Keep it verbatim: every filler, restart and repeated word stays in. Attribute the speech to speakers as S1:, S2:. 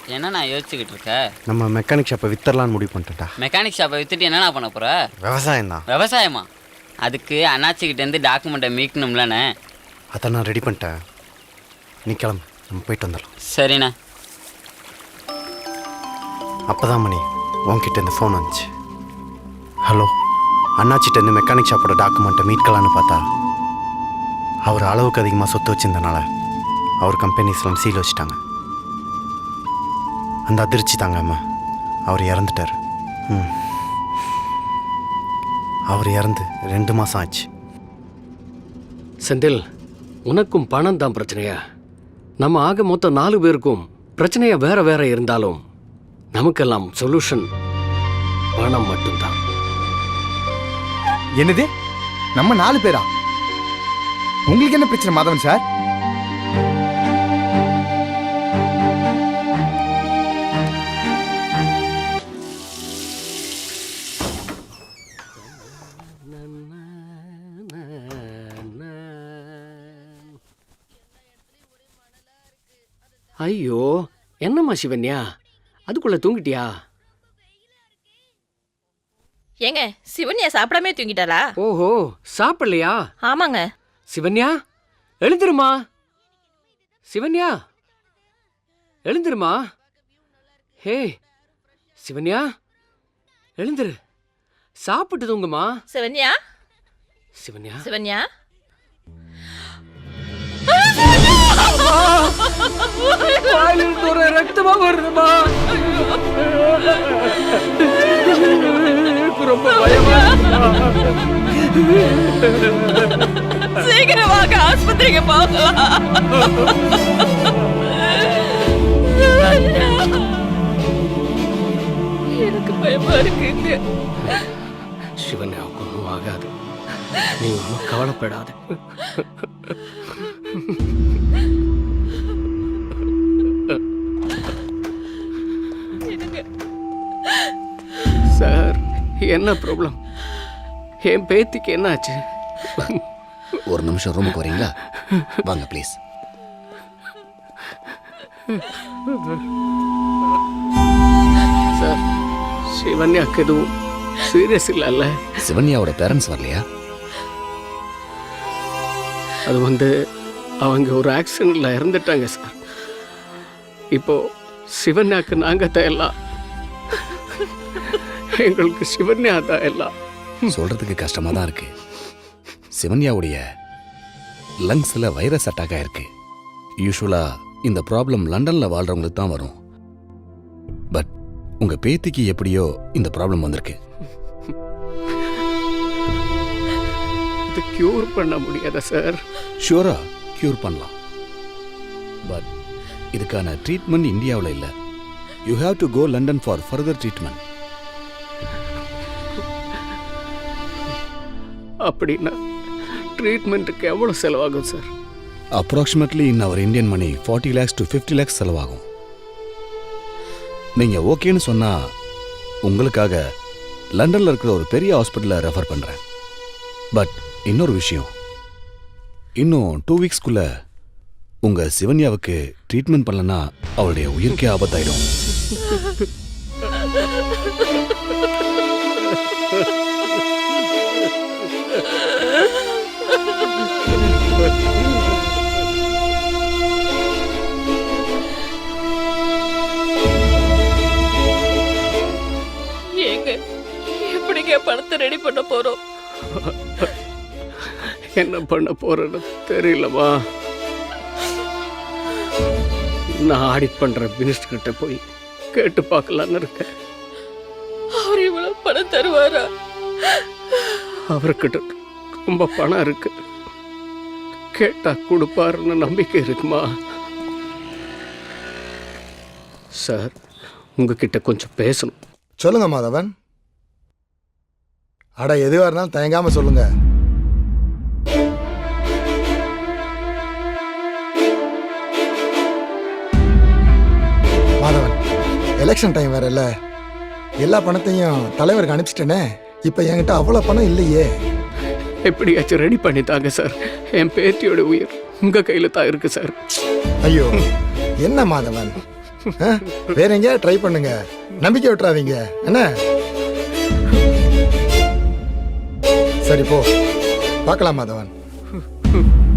S1: என்ன நான் யோசிச்சுக்கிட்டு இருக்க?
S2: நம்ம மெக்கானிக் ஷாப்பை வித்தரலான்னு முடிவு பண்ணிட்டா.
S1: மெக்கானிக் ஷாப்பை வித்துட்டு என்னண்ணா பண்ண போற?
S2: விவசாயம் தான்.
S1: விவசாயமா? அதுக்கு அண்ணாச்சிக்கிட்டேருந்து டாக்குமெண்ட்டை மீட்கணும்லண்ணே.
S2: அதை நான் ரெடி பண்ணிட்டேன். நீ கிளம்பு, நம்ம போயிட்டு வந்துடலாம்.
S1: சரிண்ணே.
S2: அப்போ தான் மணி உன்கிட்ட இந்த ஃபோன் வந்துச்சு. ஹலோ, அண்ணாச்சிட்டேருந்து மெக்கானிக் ஷாப்போட டாக்குமெண்ட்டை மீட்கலான்னு பார்த்தா அவர் அளவுக்கு அதிகமாக சொத்து வச்சிருந்தனால அவர் கம்பெனிஸ்லாம் சீல் வச்சுட்டாங்க. அந்த அதிர்ச்சி தாங்காம அவர் இறந்துட்டார். ம் அவர் இறந்து ரெண்டு மாதம் ஆச்சு.
S3: செந்தில், உனக்கும் பணம் தான் பிரச்சனையா? நம்ம ஆக மொத்தம் நாலு பேருக்கும் பிரச்சனையா வேற வேற இருந்தாலும் நமக்கெல்லாம் சொல்யூஷன் பணம் மட்டும்தான்.
S4: என்னது, நம்ம நாலு பேரா? உங்களுக்கு என்ன பிரச்சனை மாதவன் சார்?
S3: ஐயோ, என்னம்மா சிவன்யா, அதுக்குள்ள தூங்கிட்டியா?
S5: ஏங்க, சிவன்யா சாப்பிடாமே தூங்கிட்டாளா?
S3: ஓஹோ, சாப்பிடலையா?
S5: ஆமாங்க.
S3: சிவன்யா, எழுந்திருமா. சிவன்யா, எழுந்திருமா. ஹே சிவன்யா, எழுந்திரு, சாப்பிட்டு தூங்குமா.
S5: சிவன்யா,
S3: சிவன்யா,
S5: சிவன்யா.
S3: ரத்தமா வருதுமா. ரொம்ப பயமா.
S5: சீக்கிரமாக ஆஸ்பத்திரிக்கு போகலாம். எனக்கு பயமா இருக்குங்க.
S3: சிவன்யாவுக்கு ஒன்றும் ஆகாது, நீ ஒன்றும் கவலைப்படாத. சார், என்ன ப்ராப்ளம்? என் பேத்திக்கு என்ன ஆச்சு?
S6: ஒரு நிமிஷம் ரூமுக்கு வரீங்களா? வாங்க ப்ளீஸ்.
S3: சார், சிவன்யாக்கு எதுவும் சீரியஸ் இல்லைல்ல?
S6: சிவன்யாவோட பேரண்ட்ஸ் வரலையா?
S3: அது வந்து அவங்க ஒரு ஆக்சிடென்ட்ல இறந்துட்டாங்க சார். இப்போ சிவன்யாக்கு நாங்க தான் எல்லாம். எங்களுக்கு சிவன்யா தான் எல்லாம்.
S6: சொல்றதுக்கு கஷ்டமா தான் இருக்கு. சிவன்யாவுடைய லங்ஸ்ல வைரஸ் அட்டாக் ஆயிருக்கு. யூஸ்வலா இந்த ப்ராப்ளம் லண்டன்ல வாழ்றவங்களுக்கு தான் வரும். பட் உங்க பேத்திக்கு எப்படியோ இந்த ப்ராப்ளம் வந்திருக்கு.
S3: இது கியூர் பண்ண முடியாதா சார்?
S6: ஷூரா கியூர் பண்ணலாம். பட் இதுக்கான ட்ரீட்மெண்ட் இந்தியாவில் இல்லை. You have to go London for further treatment.
S3: அப்படின்னா ட்ரீட்மெண்ட்டுக்கு எவ்வளோ செலவாகும் sir?
S6: Approximately in our Indian money forty lakhs to fifty lakhs செலவாகும். நீங்கள் ஓகேன்னு சொன்னால் உங்களுக்காக லண்டனில் இருக்கிற ஒரு பெரிய ஹாஸ்பிட்டலில் ரெஃபர் பண்ணுறேன். பட் இன்னொரு விஷயம், இன்னும் டூ வீக்ஸ்க்குள்ளே உங்கள் சிவன்யாவுக்கு ட்ரீட்மெண்ட் பண்ணலன்னா அவளுடைய உயிருக்கே ஆபத்தாயிடும்.
S5: ஏங்க, எப்படிங்க பணத்தை ரெடி பண்ண போறோம்?
S3: என்ன பண்ண போறேன்னு தெரியலமா. நான் ஆடிட் பண்ற மினிஸ்டர் கிட்ட போய் கேட்டு பார்க்கலான்னு இருக்கேன்.
S5: அவர் இவ்வளவு பணம் தருவாரா?
S3: அவர்கிட்ட ரொம்ப பணம் இருக்கு, கேட்டா கொடுப்பாருன்னு நம்பிக்கை இருக்குமா? சார், உங்ககிட்ட கொஞ்சம் பேசணும்.
S4: சொல்லுங்க மாதவன். அட, எதுவாக இருந்தாலும் தயங்காம சொல்லுங்க. மாதவன், எலெக்ஷன் டைம் வேற இல்ல, எல்லா பணத்தையும் தலைவருக்கு அனுப்பிச்சிட்டேனே. இப்ப என்கிட்ட அவ்வளவு பணம் இல்லையே.
S3: எப்படியாச்சும் ரெடி பண்ணித்தாங்க சார். என் பேத்தியோட உயிர் உங்க கையில தான் இருக்கு சார்.
S4: ஐயோ, என்ன மாதவன், ஆ? வேற எங்கேயா ட்ரை பண்ணுங்க, நம்பிக்கை விட்டுறாதீங்க என்ன. சரி போ, பார்க்கலாம் மாதவன்.